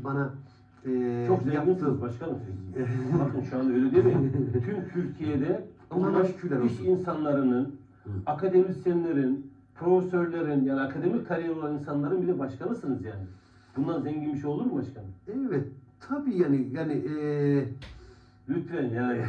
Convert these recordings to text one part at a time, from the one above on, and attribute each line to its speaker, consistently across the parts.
Speaker 1: bana
Speaker 2: Çok zenginsiniz
Speaker 1: yaptığı...
Speaker 2: başkanım siz. Bakın şu anda öyle değil mi? Tüm Türkiye'de
Speaker 1: Allah'a şükürler olsun.
Speaker 2: iş insanlarının, akademisyenlerin, profesörlerin, yani akademik kariyer olan insanların bir de başkanısınız yani. Bundan zengin bir şey olur mu başkanım?
Speaker 1: Evet, tabii yani
Speaker 2: Lütfen yani.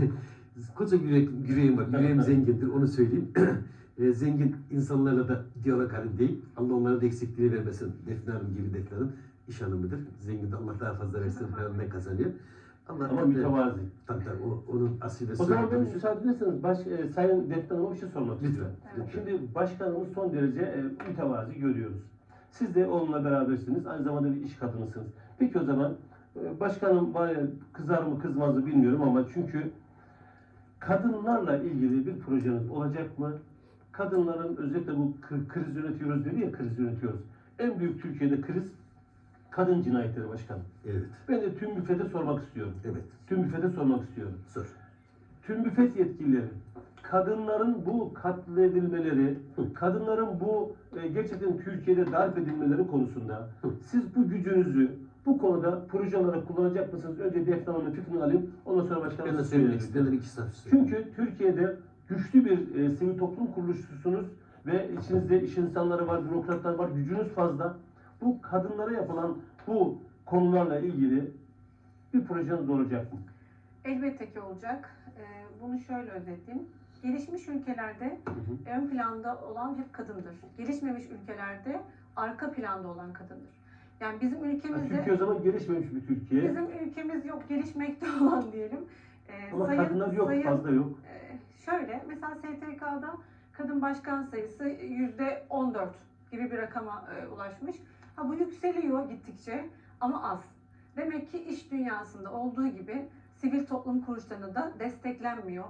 Speaker 1: koca yüreğim var, yüreğim zengindir, onu söyleyeyim. Zengin insanlarla da diyalog halindeyim. Allah onlara da eksikliğini vermesin. Defne Hanım gibi, Defne Hanım iş hanımıdır. Zengin de Allah daha fazla versin, paranından kazanıyor.
Speaker 2: Ama
Speaker 1: tabii,
Speaker 2: mütevazi.
Speaker 1: Tabii onun asil ve
Speaker 2: O zaman ben
Speaker 1: soyadını
Speaker 2: müsaade ederseniz Sayın Defne Hanım'a bir şey sormak
Speaker 1: Lütfen.
Speaker 2: istiyorum.
Speaker 1: Evet.
Speaker 2: Şimdi başkanımız son derece mütevazi görüyoruz. Siz de onunla berabersiniz. Aynı zamanda bir iş kadınısınız. Peki o zaman başkanım var ya, kızar mı kızmaz mı bilmiyorum ama çünkü kadınlarla ilgili bir projeniz olacak mı? Kadınların özellikle bu kriz yönetiyoruz dedi ya, kriz yönetiyoruz. En büyük Türkiye'de kriz kadın cinayetleri başkanım.
Speaker 1: Evet.
Speaker 2: Ben de tüm müfete sormak istiyorum.
Speaker 1: Evet.
Speaker 2: Tüm müfete sormak istiyorum.
Speaker 1: Sor.
Speaker 2: Tüm müfet yetkilileri, kadınların bu katledilmeleri, kadınların bu gerçekten Türkiye'de darp edilmeleri konusunda siz bu gücünüzü bu konuda proje olarak kullanacak mısınız? Önce Defne Hanım'ın fikrini alayım, ondan sonra başkanım.
Speaker 1: Ben de söylemek istedim. İki saat
Speaker 2: Çünkü Türkiye'de güçlü bir sivil toplum kuruluşusunuz ve içinizde iş insanları var, bürokratlar var, gücünüz fazla. Bu kadınlara yapılan bu konularla ilgili bir projeniz olacak mı?
Speaker 3: Elbette ki olacak. Bunu şöyle özetleyeyim. Gelişmiş ülkelerde ön planda olan hep kadındır. Gelişmemiş ülkelerde arka planda olan kadındır. Yani bizim ülkemizde...
Speaker 2: Türkiye o zaman gelişmemiş bir Türkiye.
Speaker 3: Bizim ülkemiz yok, gelişmekte olan diyelim.
Speaker 2: Ama kadınlar yok, fazla yok.
Speaker 3: Şöyle, mesela STK'da kadın başkan sayısı %14 gibi bir rakama ulaşmış. Ha, bu yükseliyor gittikçe ama az. Demek ki iş dünyasında olduğu gibi sivil toplum kuruluşlarına da desteklenmiyor.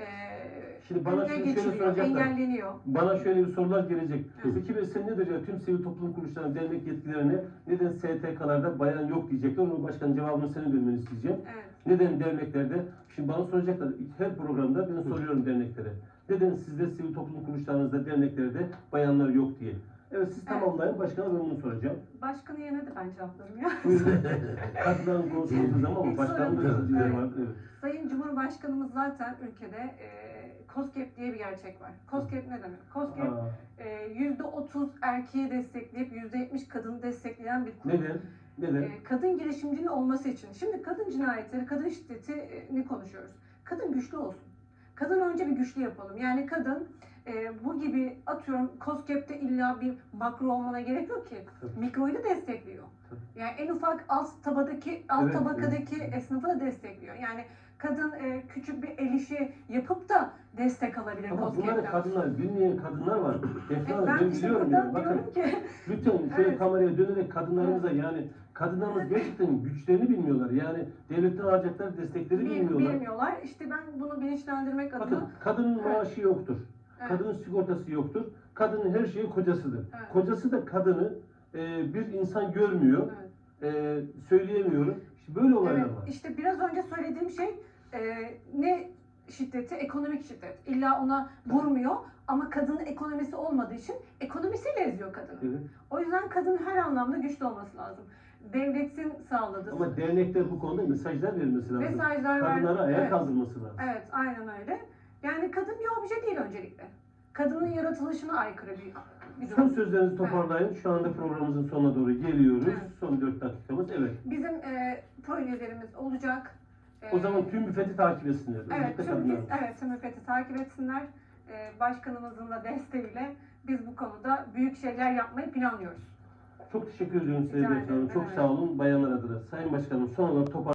Speaker 2: Şimdi bana şöyle soracaklar.
Speaker 3: Engelleniyor.
Speaker 2: Bana şöyle bir sorular gelecek.
Speaker 3: Evet.
Speaker 2: Peki be sen nedir ya, tüm sivil toplum kuruluşlarının dernek yetkilerine neden STK'larda bayan yok diyecekler. Onu başkanın cevabını senin vermeni isteyeceğim.
Speaker 3: Evet.
Speaker 2: Neden derneklerde? Şimdi bana soracaklar. Her programda ben soruyorum derneklere. Neden sizde sivil toplum kuruluşlarınızda, derneklerde bayanlar yok diye. Evet, siz tamamlayın. Başkana ben bunu soracağım.
Speaker 3: Başkanın yerine de ben cevaplarım ya.
Speaker 2: Buyurun. Katılan konusu olduğu zaman ama başkanın da sözcüleri var. Evet.
Speaker 3: Sayın Cumhurbaşkanımız zaten ülkede KOSGEB diye bir gerçek var. KOSGEB ne demek? KOSGEB %30 erkeği destekleyip %70 kadını destekleyen bir kurum.
Speaker 2: Neden? Neden?
Speaker 3: Kadın girişimcinin olması için. Şimdi kadın cinayetleri, kadın şiddetini konuşuyoruz. Kadın güçlü olsun. Kadın önce bir güçlü yapalım. Yani kadın bu gibi atıyorum KOSGEB'de illa bir makro olmana gerek yok ki. Mikroyu da destekliyor. Yani en ufak alt tabakadaki esnafı da destekliyor. Yani kadın küçük bir el işi yapıp da destek alabilir
Speaker 2: Ama
Speaker 3: KOSGEB'den.
Speaker 2: bunları kadınlar, bilmeyen kadınlar var. Defne Hanım, ben
Speaker 3: işte
Speaker 2: biliyorum
Speaker 3: buradan
Speaker 2: yani. Bakın,
Speaker 3: diyorum ki
Speaker 2: lütfen şöyle
Speaker 3: Evet.
Speaker 2: kameraya dönerek kadınlarımıza yani kadınlarımız gerçekten güçlerini bilmiyorlar. Yani devletten alacakları destekleri bilmiyorlar.
Speaker 3: bilmiyorlar. İşte ben bunu bilinçlendirmek
Speaker 2: Bakın,
Speaker 3: adına
Speaker 2: kadının maaşı yoktur.
Speaker 3: Evet.
Speaker 2: Kadının sigortası yoktur. Kadının her şeyi kocasıdır.
Speaker 3: Evet.
Speaker 2: Kocası da kadını bir insan görmüyor. Söyleyemiyorum. İşte böyle olaylar
Speaker 3: Evet,
Speaker 2: var.
Speaker 3: işte biraz önce söylediğim şey ne şiddeti? Ekonomik şiddet. İlla ona vurmuyor ama kadının ekonomisi olmadığı için ekonomisiyle eziyor kadını.
Speaker 2: Evet.
Speaker 3: O yüzden kadın her anlamda güçlü olması lazım. Devletin sağladığı
Speaker 2: Ama dernekler bu konuda mesajlar vermesi lazım.
Speaker 3: mesajlar
Speaker 2: Kadınlara ayağa
Speaker 3: Evet.
Speaker 2: kaldırması lazım.
Speaker 3: Evet, aynen öyle. Yani kadın bir obje değil öncelikle. Kadının yaratılışına aykırı bir
Speaker 2: Son
Speaker 3: durum.
Speaker 2: sözlerinizi toparlayın. Şu anda programımızın sonuna doğru geliyoruz.
Speaker 3: Evet.
Speaker 2: Son 4 dakikamız. Evet.
Speaker 3: Bizim projelerimiz olacak.
Speaker 2: O zaman tüm müfeti takip etsinler.
Speaker 3: Evet,
Speaker 2: Özellikle
Speaker 3: tüm müfeti takip etsinler. Başkanımızın da desteğiyle biz bu konuda büyük şeyler yapmayı planlıyoruz.
Speaker 2: Çok teşekkür ediyorum size
Speaker 3: Rica
Speaker 2: Defne Hanım.
Speaker 3: ederim,
Speaker 2: Çok
Speaker 3: evet.
Speaker 2: sağ olun bayanlar adına. Sayın Başkanım, son olarak